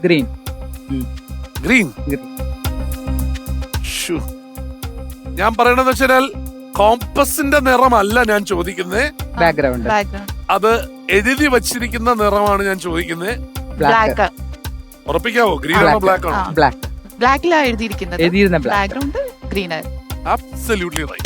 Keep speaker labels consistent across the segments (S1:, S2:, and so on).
S1: Green.
S2: Green. ഞാൻ പറയണെന്ന് വെച്ചാൽ കോമ്പസിന്റെ നിറമല്ല ഞാൻ ചോദിക്കുന്നത്,
S1: ബാക്ക്ഗ്രൗണ്ട്.
S2: അത് എഴുതി വച്ചിരിക്കുന്ന നിറമാണ് ഞാൻ ചോദിക്കുന്നത്.
S3: ബ്ലാക്ക്.
S2: ഉറപ്പിക്കാവോ? ഗ്രീൻ ആണോ ബ്ലാക്ക് ആണോ?
S1: ബ്ലാക്ക്.
S3: ബ്ലാക്കിലാണ് എഴുതിയിരിക്കുന്നത്.
S1: എഴുതിയിരുന്ന ബ്ലാക്ക്.
S3: ബാക്ക്ഗ്രൗണ്ട് ഗ്രീൻ ആയിരുന്നു.
S2: Absolutely right.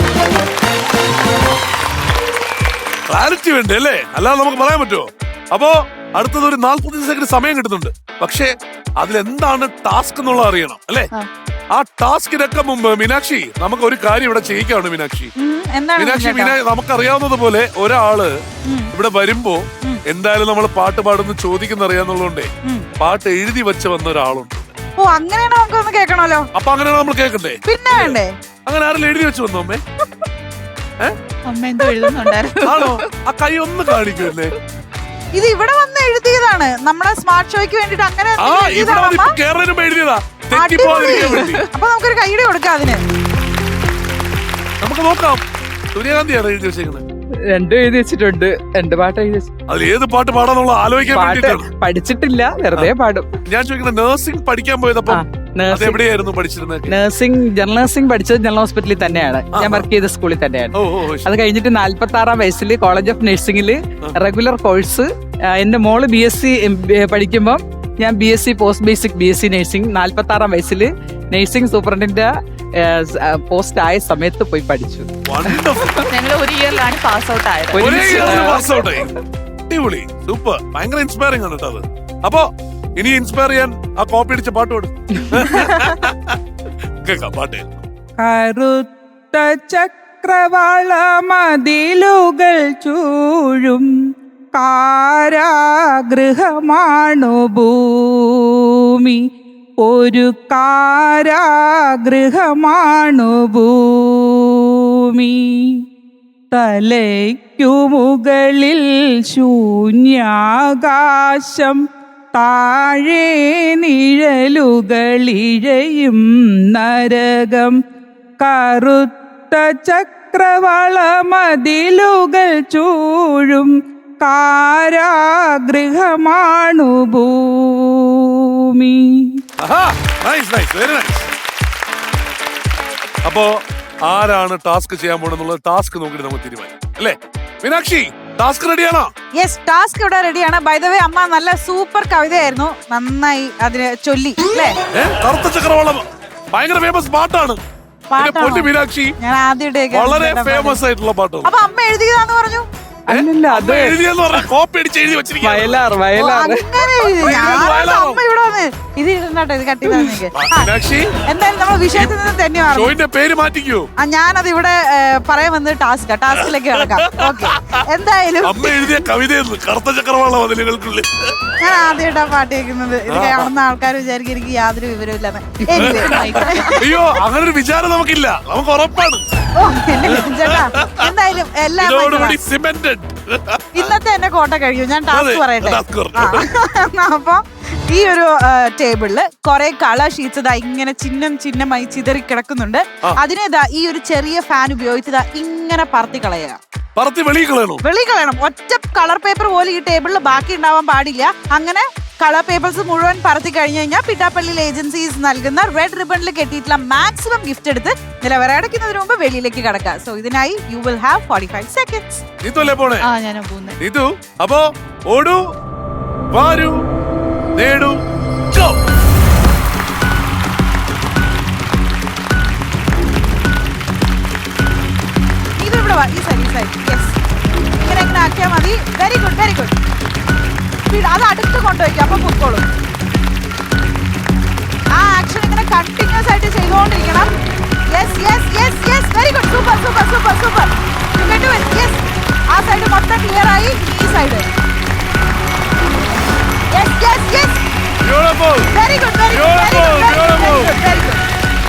S2: ക്ലാരിറ്റി വേണ്ടേ അല്ലേ? അല്ലാതെ നമുക്ക് പറയാൻ പറ്റുമോ? അപ്പോ അടുത്തത് ഒരു 40 സെക്കൻഡ് സമയം കിട്ടുന്നുണ്ട്. പക്ഷേ അതിലെന്താണ് ടാസ്ക് എന്നുള്ളത് അറിയണം അല്ലേ? ആ ടാസ്കിനൊക്കെ മുമ്പ് മീനാക്ഷി നമുക്ക് ഒരു കാര്യം ഇവിടെ ചെയ്യിക്കാണ്. മീനാക്ഷി നമുക്കറിയാവുന്നത് പോലെ ഒരാള് ഇവിടെ വരുമ്പോ എന്തായാലും നമ്മൾ പാട്ട് പാടുന്ന ചോദിക്കുന്ന അറിയാന്നുള്ളതുകൊണ്ടേ പാട്ട് എഴുതി വെച്ച് വന്ന ഒരാളുണ്ട്.
S4: ഓ, അങ്ങനെയാണ് നമുക്കൊന്ന് കേൾക്കണല്ലോ.
S2: അപ്പൊ അങ്ങനെയാണ് നമ്മൾ കേൾക്കണ്ടേ?
S4: പിന്നെ വേണ്ടേ?
S2: അങ്ങനെ ആരെങ്കിലും എഴുതി വെച്ച് വന്നോ അമ്മേ?
S3: അമ്മ എന്തോ എഴുതുന്നുണ്ടായിരുന്നു.
S2: ആണോ? ആ കൈ ഒന്ന് കാണിക്കുമല്ലേ?
S4: ഇത് ഇവിടെ വന്ന് എഴുതിയതാണ് നമ്മുടെ സ്മാർട്ട് ഷോയ്ക്ക് വേണ്ടിട്ട്. അങ്ങനെ
S2: എഴുതിയതാ.
S4: അപ്പൊ നമുക്കൊരു കൈയുടെ കൊടുക്കാം അതിന്.
S2: നമുക്ക് നോക്കാം. സൂര്യകാന്തിയാണ് എഴുതി വെച്ചേക്കുന്നത്.
S1: രണ്ടും എഴുതി വെച്ചിട്ടുണ്ട്. 2 പാട്ട് എഴുതി വെച്ചു.
S2: അതിൽ ഏത് പാട്ട് പാടാന്നുള്ള ആലോചിക്കാൻ വേണ്ടിട്ടാണ്.
S1: പഠിച്ചിട്ടില്ല, വെറുതെ പാടും.
S2: ഞാൻ ചോദിക്കുന്നത് നഴ്സിംഗ് പഠിക്കാൻ പോയതപ്പോ എവിടെയായിരുന്നു പഠിച്ചിരുന്നത്?
S1: ജനറൽ നഴ്സിംഗ് പഠിച്ചത് ജനറൽ ഹോസ്പിറ്റലിൽ തന്നെയാണ്. ഞാൻ വർക്ക് ചെയ്ത സ്കൂളിൽ തന്നെയാണ്. അത് കഴിഞ്ഞിട്ട് 46-ാം വയസ്സിൽ കോളേജ് ഓഫ് നഴ്സിംഗിൽ റെഗുലർ കോഴ്സ്. എന്റെ മോള് BSc പഠിക്കുമ്പോൾ ഞാൻ BSc post basic BSc nursing 46-ാം വയസ്സിൽ നഴ്സിംഗ് സൂപ്രണ്ടിന്റെ പോസ്റ്റ് ആയ സമയത്ത് പോയി പഠിച്ചു.
S3: ഞങ്ങൾ ഒരു ഇയറിലാണ് പാസ് ഔട്ട് ആയത്.
S2: അടിപൊളി, സൂപ്പർ, ഭയങ്കര ഇൻസ്പയറിംഗ് ആണ് കേട്ടോ അത്. അപ്പൊ ഇനി ഇൻസ്പയർ ചെയ്യാൻ ആ കോപ്പി അടിച്ച പാട്ട് പാടും. കേൾക്കാം പാട്ട്.
S1: കറുത്ത ചക്രവാള മതിലുകൾ ചൂഴും കാരാഗൃഹമാണു ഭൂമി, ഒരു കാരാഗൃഹമാണു ഭൂമി. തലയ്ക്കു മുകളിൽ ശൂന്യാകാശം, താഴെ നിഴലുകളിഴയും നരകം. കറുത്ത ചക്രവാള മതിലുകൾ ചൂഴും കാരാഗൃഹമാണു ഭൂമി.
S2: അപ്പോ ആരാണ് ടാസ്ക് ചെയ്യാൻ പോണെന്നുള്ളത് ടാസ്ക് നോക്കിട്ട് നമുക്ക് തീരുമാനിക്കാം അല്ലേ? മീനാക്ഷി, ടാസ്ക് റെഡിയാണോ?
S4: യെസ്, ടാസ്ക് ഇവിടെ റെഡിയാണ്. ബൈ ദ വേ, അമ്മ നല്ല സൂപ്പർ കവിതയായിരുന്നു. നന്നായി അതിന് ചൊല്ലി അല്ലേ?
S2: കറുത്ത ചക്രവാളം ഭയങ്കര ഫേമസ് പാട്ടാണ്. മീനാക്ഷി,
S4: ഞാൻ ആദ്യമായിട്ട്
S2: വളരെ ഫേമസ് ആയിട്ടുള്ള പാട്ടാണ്.
S4: അപ്പൊ അമ്മ എഴുതിയതാന്ന് പറഞ്ഞു.
S1: അത്
S2: എഴുതിയെന്ന് പറഞ്ഞ കോപ്പി അടിച്ച് എഴുതി വെച്ചിരിക്കുക.
S1: വയലാർ.
S4: അങ്ങനെ അമ്മ ഇവിടെ വന്ന് ഇത് ഇടണ്ടോ, ഇത് കട്ടി എന്തായാലും നമ്മൾ വിഷയത്തിൽ നിന്ന് തന്നെ
S2: പേര് മാറ്റിക്കോ.
S4: ഞാനത് ഇവിടെ പറയാൻ വന്നത് ടാസ്കിലേക്ക് കിടക്കാം. ഓക്കെ, എന്തായാലും
S2: അമ്മ എഴുതിയ കവിതയെന്ന് കറുത്ത ചക്രവാള മതിലുകൾക്കുള്ളിൽ.
S4: ഞാൻ ആദ്യമായിട്ടാ പാട്ട് കേൾക്കുന്നത്. ഇത് കാണുന്ന ആൾക്കാർ വിചാരിക്കും എനിക്ക് യാതൊരു വിവരമില്ലെന്ന്.
S2: അയ്യോ, അങ്ങനെ ഒരു വിചാരം നമുക്കില്ല, നമുക്ക് ഉറപ്പാണ്.
S4: ചേട്ടാ, എന്തായാലും എല്ലാം ഇന്നത്തെ എന്റെ കോട്ട കഴിയും. ഞാൻ ടാസ്ക് പറയട്ടെ. അപ്പൊ ഈ ഒരു ടേബിളില് കുറെ കളർ ഷീറ്റ്സ് ഇങ്ങനെ ചിഹ്നമായി ചിതറി കിടക്കുന്നുണ്ട്. അതിനെ ഈ ഒരു ചെറിയ ഫാൻ ഉപയോഗിച്ച് ഇങ്ങനെ പറത്തി കളയുക. വെളി കളയണം. ഒറ്റ കളർ പേപ്പർ പോലും ഈ ടേബിളിൽ ബാക്കി ഉണ്ടാവാൻ പാടില്ല. അങ്ങനെ കളർ പേപ്പേഴ്സ് മുഴുവൻ പറത്തി കഴിഞ്ഞു കഴിഞ്ഞാൽ പിട്ടാപ്പള്ളി ഏജൻസീസ് നൽകുന്ന റെഡ് റിബണിൽ കെട്ടിയിട്ടുള്ള മാക്സിമം ഗിഫ്റ്റ് എടുത്ത് നിലവറടക്കുന്നതിന് മുമ്പ് വെളിയിലേക്ക് കടക്കുക. സോ ഇതിനായി യു വിൽ ഹാവ് 45 seconds.
S2: അപ്പോ ഓടൂ, വാരൂ, നേടൂ, ഗോ.
S4: ഇത് ഇവിടെ വാ, ഈ സൈഡ്. യെസ്, ഇങ്ങനെ ആക്കിയാൽ മതി. Very good, very good. അത് അടുത്ത് കൊണ്ടുവയ്ക്കുക, അപ്പൊ പൊക്കോളും. ആ ആക്ഷൻ ഇങ്ങനെ കണ്ടിന്യൂസ് ആയിട്ട് ചെയ്തുകൊണ്ടിരിക്കണം. Yes yes yes yes, very good, super super super super. You can do it. Yes, ആ സൈഡ് മൊത്തം ക്ലിയർ ആയി. ഈ side. Yes yes yes,
S2: beautiful,
S4: very good, very good, very good, very good.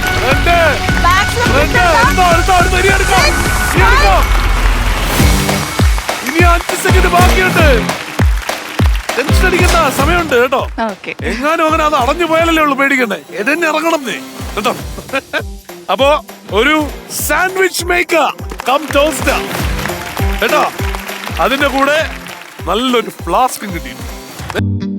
S2: ഇനി 5 second ബാക്കിയുണ്ട്. Tension അടിക്കണ്ട, സമയമുണ്ട് കേട്ടോ. എങ്ങാനും അങ്ങനെ അത് അടഞ്ഞു പോയാലല്ലേ ഉള്ളു പേടിക്കണ്ടേ. എന്നെ ഇറങ്ങണം കേട്ടോ. അപ്പോ ഒരു സാൻഡ്വിച്ച് മേക്കർ കം ടോസ്റ്റർ കേട്ടോ. അതിന്റെ കൂടെ നല്ലൊരു ഫ്ലാസ്കും കിട്ടി.